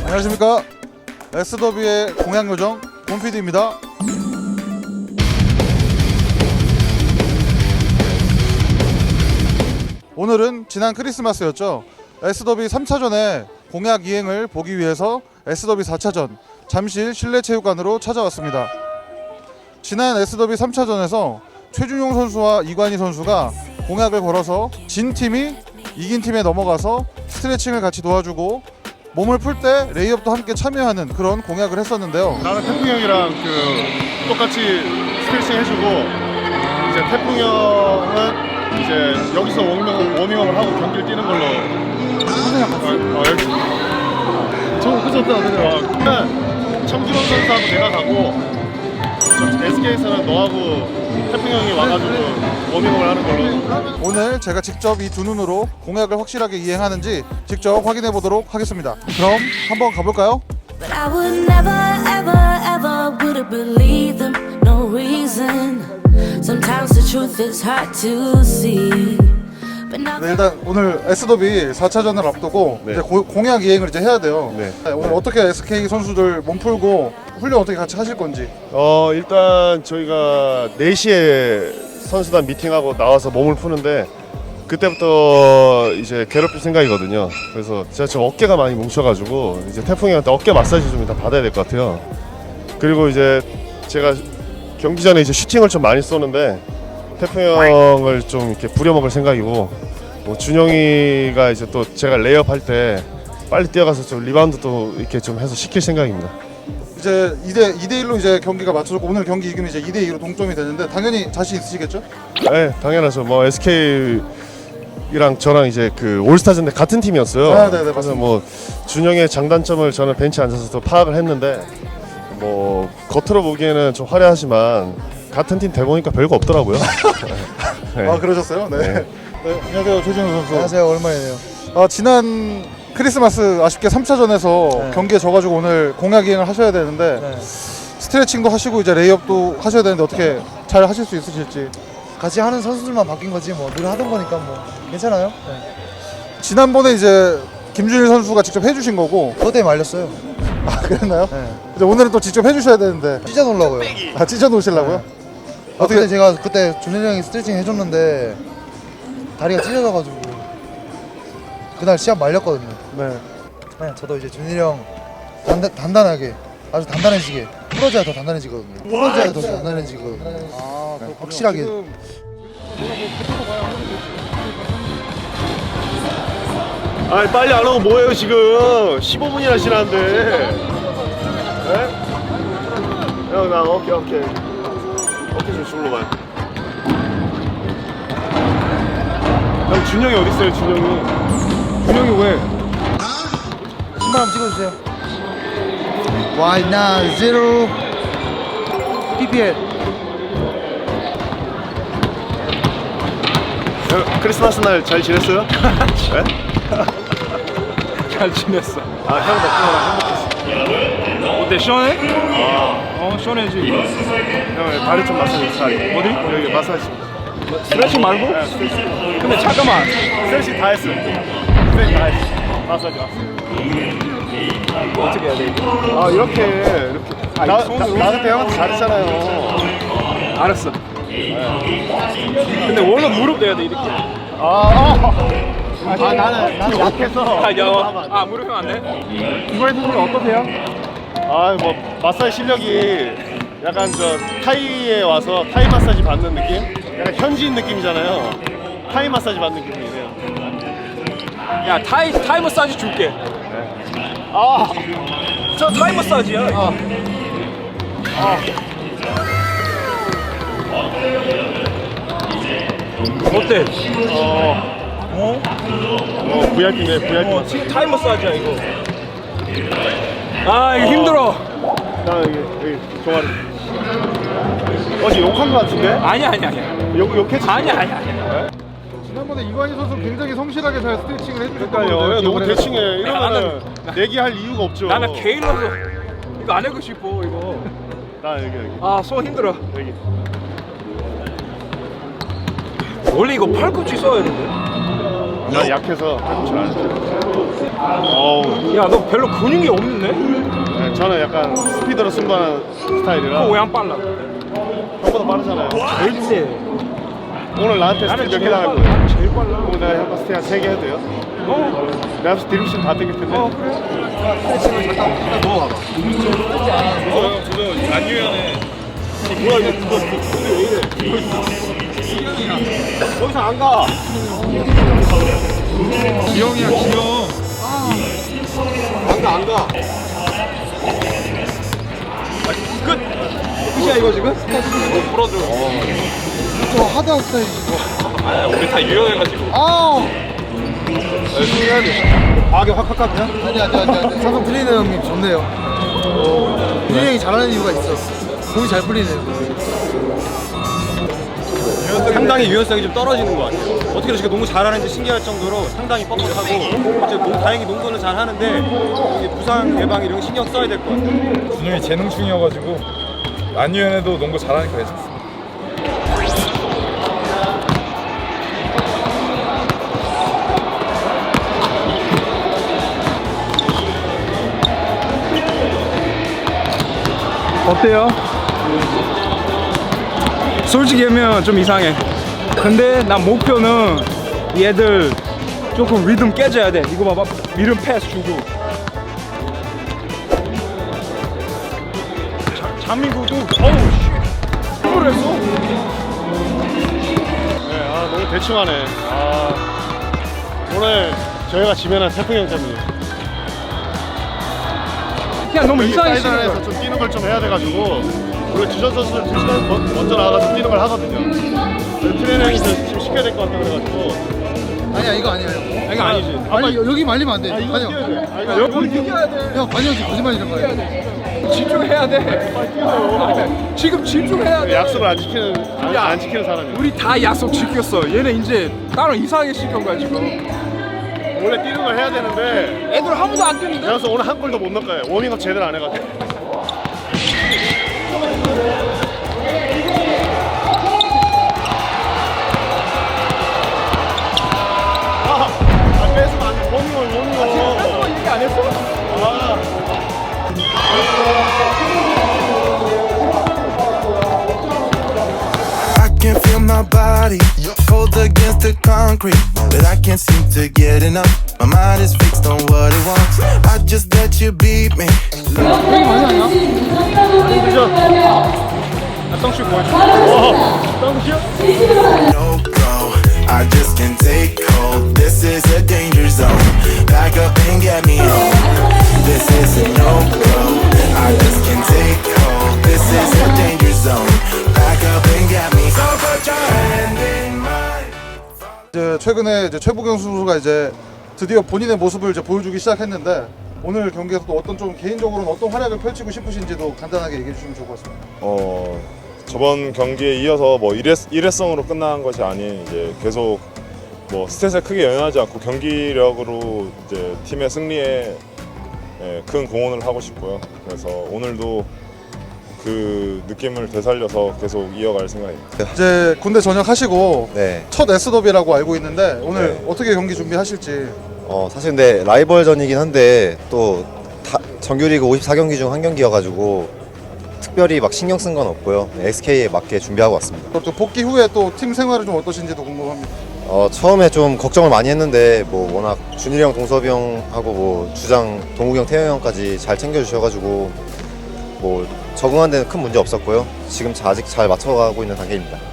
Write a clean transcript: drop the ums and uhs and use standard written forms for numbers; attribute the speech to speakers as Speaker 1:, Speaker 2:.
Speaker 1: 안녕하십니까. S더비의 공약요정 곰PD입니다. 오늘은 지난 크리스마스였죠. S더비 3차전의 공약 이행을 보기 위해서 S더비 4차전 잠실 실내체육관으로 찾아왔습니다. 지난 S더비 3차전에서 최준용 선수와 이관희 선수가 공약을 걸어서 진 팀이 이긴 팀에 넘어가서 스트레칭을 같이 도와주고 몸을 풀 때 레이업도 함께 참여하는 그런 공약을 했었는데요.
Speaker 2: 나는 태풍 형이랑 똑같이 스트레칭 해주고, 이제 태풍 형은 이제 여기서 워밍업을 하고 경기를 뛰는 걸로. 좋다. 청기범 선수하고 내가 가고, SK에서는 너하고 태풍 형이 와가지고 워밍업을 하는 걸로.
Speaker 1: 오늘 제가 직접 이 두 눈으로 공약을 확실하게 이행하는지 직접 확인해 보도록 하겠습니다. 그럼 한번 가볼까요?
Speaker 3: But I would never, ever, ever would have believed them, no reason. Sometimes the truth is hard to see. But now
Speaker 1: 네, 일단 오늘 S더비 4차전을 앞두고
Speaker 2: 네.
Speaker 1: 이제 공약 이행을 이제 해야 돼요.
Speaker 2: 네.
Speaker 1: 오늘 어떻게 SK 선수들 몸 풀고 훈련 어떻게 같이 하실 건지.
Speaker 2: 일단 저희가 4시에 선수단 미팅하고 나와서 몸을 푸는데, 그때부터 이제 괴롭힐 생각이거든요. 그래서 제가 지금 어깨가 많이 뭉쳐가지고 이제 태풍이 형한테 어깨 마사지 좀 이따 받아야 될 것 같아요. 그리고 이제 제가 경기 전에 이제 슈팅을 좀 많이 쏘는데 태풍 형을 좀 이렇게 부려먹을 생각이고, 뭐 준영이가 이제 또 제가 레이업 할 때 빨리 뛰어가서 좀 리바운드도 이렇게 좀 해서 시킬 생각입니다.
Speaker 1: 이제 2대1로 이제 경기가 맞춰졌고 오늘 경기 이기면 이제 2대2로 동점이 되는데 당연히 자신 있으시겠죠?
Speaker 2: 네, 당연하죠. 뭐 SK랑 저랑 이제 그 올스타전 때 같은 팀이었어요.
Speaker 1: 아, 네네,
Speaker 2: 그래서
Speaker 1: 맞습니다.
Speaker 2: 뭐 준영의 장단점을 저는 벤치에 앉아서 또 파악을 했는데, 뭐 겉으로 보기에는 좀 화려하지만 같은 팀 돼보니까 별거 없더라고요. 네.
Speaker 1: 아 그러셨어요? 네.
Speaker 2: 네.
Speaker 1: 네, 안녕하세요 최준호 선수.
Speaker 4: 안녕하세요. 오랜만이네요.
Speaker 1: 지난 크리스마스 아쉽게 3차전에서
Speaker 4: 네.
Speaker 1: 경기에 져가지고 오늘 공약 이행을 하셔야 되는데
Speaker 4: 네.
Speaker 1: 스트레칭도 하시고 이제 레이업도 하셔야 되는데 어떻게 잘 하실 수 있으실지.
Speaker 4: 같이 하는 선수들만 바뀐 거지 뭐 늘 하던 거니까 뭐 괜찮아요. 네.
Speaker 1: 지난번에 이제 김준일 선수가 직접 해주신 거고.
Speaker 4: 그것 때문에 말렸어요.
Speaker 1: 아 그랬나요?
Speaker 4: 네.
Speaker 1: 이제 오늘은 또 직접 해주셔야 되는데.
Speaker 4: 찢어 놓으려고요.
Speaker 1: 찢어 놓으시려고요?
Speaker 4: 어떻게 제가 그때 준일이 형이 스트레칭 해줬는데 다리가 찢어져가지고 그날 시합 말렸거든요.
Speaker 1: 네.
Speaker 4: 네, 저도 이제 준일이 형 단단하게 아주 단단해지게 풀어줘야 더 단단해지거든요. 풀어줘야 더 단단해지거든요. 네, 확실하게.
Speaker 2: 아니 빨리 안 오고 뭐해요 지금? 15분이나 지났는데. 네? 형 나 어깨 좀 주물러 봐요. 형 준영이 어디 있어요? 준영이 왜?
Speaker 4: 신발 한번 찍어주세요. 와이나 제로 PPL.
Speaker 2: 형, 크리스마스 날 잘 지냈어요? 네?
Speaker 5: 잘 지냈어.
Speaker 2: 아 형 덕분에 나 행복했어.
Speaker 5: 어때 시원해? 시원해지.
Speaker 2: 형 다리 좀 마사지. 다리. 어디? 여기 마사지.
Speaker 5: 스트레칭 말고?
Speaker 2: 네, 스트레칭.
Speaker 5: 근데 잠깐만.
Speaker 2: 스트레칭 다 했어. 스트레칭 다 했어. 마사지.
Speaker 5: 어떻게 해야 돼 이거?
Speaker 2: 아 이렇게. 나 그때 형한테 잘했잖아요.
Speaker 5: 알았어. 근데 원래 무릎 내야 돼 이렇게.
Speaker 2: 나는 약해서.
Speaker 5: 무릎 안 돼?
Speaker 2: 이번에 선생님 어떠세요? 뭐 마사지 실력이 약간 저 타이에 와서 타이 마사지 받는 느낌? 약간 현지인 느낌이잖아요. 타이 마사지 받는 기분이네요.
Speaker 5: 야 타이 머사지 줄게. 저 타이 머사지야. 어때?
Speaker 2: VIP네, VIP.
Speaker 5: 지금 타이 머사지야 이거. 이거 힘들어.
Speaker 2: 나 여기 종아리. 어제 욕한 거 같은데?
Speaker 5: 아니야.
Speaker 2: 욕했지?
Speaker 5: 아니야.
Speaker 1: 지난번에 이관희 선수 굉장히 성실하게 잘 스트레칭을 해주셨거든요.
Speaker 2: 그러니까요. 야, 너무 대충해. 이러면은
Speaker 5: 나는-
Speaker 2: 내기할 이유가 없죠.
Speaker 5: 나는 개인으로서 이거 안 하고 싶어 이거.
Speaker 2: 나 여기.
Speaker 5: 손 힘들어.
Speaker 2: 여기.
Speaker 5: 원래 이거 팔꿈치 써야 되는데.
Speaker 2: 나 약해서 팔꿈치를 안 했어요. 어우,
Speaker 5: 야, 너 별로 근육이 없는데?
Speaker 2: 네, 저는 약간 스피드로 승부하는 스타일이라
Speaker 5: 왜 안 빨라?
Speaker 2: 형보다 빠르잖아요.
Speaker 5: 절대.
Speaker 2: 오늘 나한테
Speaker 5: 나는
Speaker 2: 스피드 몇 개
Speaker 5: 제일
Speaker 2: 당할
Speaker 5: 빨라.
Speaker 2: 거예요?
Speaker 5: 나는 제일 빨라.
Speaker 2: 오늘 내가 형 스테이 한 3개 해도 돼요? 내가 앞에서 드립심 다 땡길 텐데.
Speaker 5: 그래. 거기서 안 가.
Speaker 1: 기영이야 기영.
Speaker 5: 안 가. 끝이야 이거 지금? 풀어줘.
Speaker 4: 저 하드한 스타일이지.
Speaker 5: 우리 다 유연해가지고.
Speaker 1: 해야 돼.
Speaker 5: 과하게 확 그냥?
Speaker 4: 아니. 삼성 트레이너 형님 좋네요. 트레이너 형이 잘하는 이유가 있어. 공이 잘 풀리네요.
Speaker 6: 상당히 유연성이 좀 떨어지는 것 같아요. 어떻게 이렇게 농구 잘하는지 신기할 정도로 상당히 뻣뻣하고 이제 다행히 농구는 잘하는데 이게 부상 예방 이런 거 신경 써야 될 것 같아요.
Speaker 7: 준영이 재능충이어가지고 안 유연해도 농구 잘하니까 괜찮습니다.
Speaker 5: 어때요? 솔직히 하면 좀 이상해. 근데 난 목표는 얘들 조금 리듬 깨져야 돼. 이거 봐봐. 리듬 패스 주고. 자민구도 어우 씨. 이걸 했어?
Speaker 2: 네, 너무 대충 하네. 오늘 저희가 지면은 태풍 형 때문에.
Speaker 5: 그냥 너무 이상해.
Speaker 2: 사이드라인에서 좀 뛰는 걸 좀 해야 돼가지고 원래 주전 선수들 2시간 먼저 나가서 뛰는 걸 하거든요. 트레이너 형이 지금 시켜야 될 것 같다 그래가지고.
Speaker 4: 아니야 이거 아니야 형.
Speaker 5: 이거 아니지.
Speaker 4: 아니 여기 말리면 안 돼.
Speaker 2: 이거
Speaker 4: 관영.
Speaker 2: 뛰어야 돼.
Speaker 5: 여기 이겨야 돼.
Speaker 4: 형 관영 지금 거짓말이란 말이야.
Speaker 5: 집중해야 돼. 지금 집중해야 돼.
Speaker 2: 약속을 안 지키는 사람이야.
Speaker 5: 우리 다 약속 지켰어. 얘네 이제 따로 이상하게 시킨 거야 지금.
Speaker 2: 원래 뛰는 걸 해야 되는데
Speaker 5: 애들 아무도 안 뛰는데?
Speaker 2: 그래서 오늘 한 골도 못 넣을 거예요. 워밍업 제대로 안 해가지고. 뺏으면 안 돼. 워밍업.
Speaker 5: 얘기 안 했어?
Speaker 8: I can feel my body cold against the concrete, but I can't seem to get enough. My mind is fixed on what it wants. I just let you beat me.
Speaker 5: 덩슈 보여줘.
Speaker 8: No go, I just can't take hold. This is a danger zone. Back up and get me home. This is a no go. I just can't take hold. This is a danger zone. Back up and get me. So put your hand in mine.
Speaker 1: 이제 최근에 이제 최부경 선수가 이제 드디어 본인의 모습을 이제 보여주기 시작했는데 오늘 경기에서도 어떤 좀 개인적으로는 어떤 활약을 펼치고 싶으신지도 간단하게 얘기해 주시면 좋을 것 같습니다.
Speaker 7: 저번 경기에 이어서 뭐 일회성으로 끝난 것이 아닌 이제 계속 뭐 스탯에 크게 연연하지 않고 경기력으로 이제 팀의 승리에 큰 공헌을 하고 싶고요. 그래서 오늘도 그 느낌을 되살려서 계속 이어갈 생각입니다.
Speaker 1: 이제 군대 전역하시고
Speaker 9: 네.
Speaker 1: 첫 S더비라고 알고 있는데 오늘
Speaker 9: 네.
Speaker 1: 어떻게 경기 준비하실지.
Speaker 9: 사실 근데 라이벌전이긴 한데 또 정규리그 54경기 중 한 경기여가지고 특별히 막 신경 쓴 건 없고요. SK에 맞게 준비하고 왔습니다.
Speaker 1: 또 복귀 후에 또 팀 생활은 좀 어떠신지도 궁금합니다.
Speaker 9: 처음에 좀 걱정을 많이 했는데 뭐 워낙 준일이 형, 동섭이 형하고 뭐 주장 동욱이 형, 태영 형까지 잘 챙겨주셔가지고 뭐 적응하는 데는 큰 문제 없었고요. 지금 아직 잘 맞춰가고 있는 단계입니다.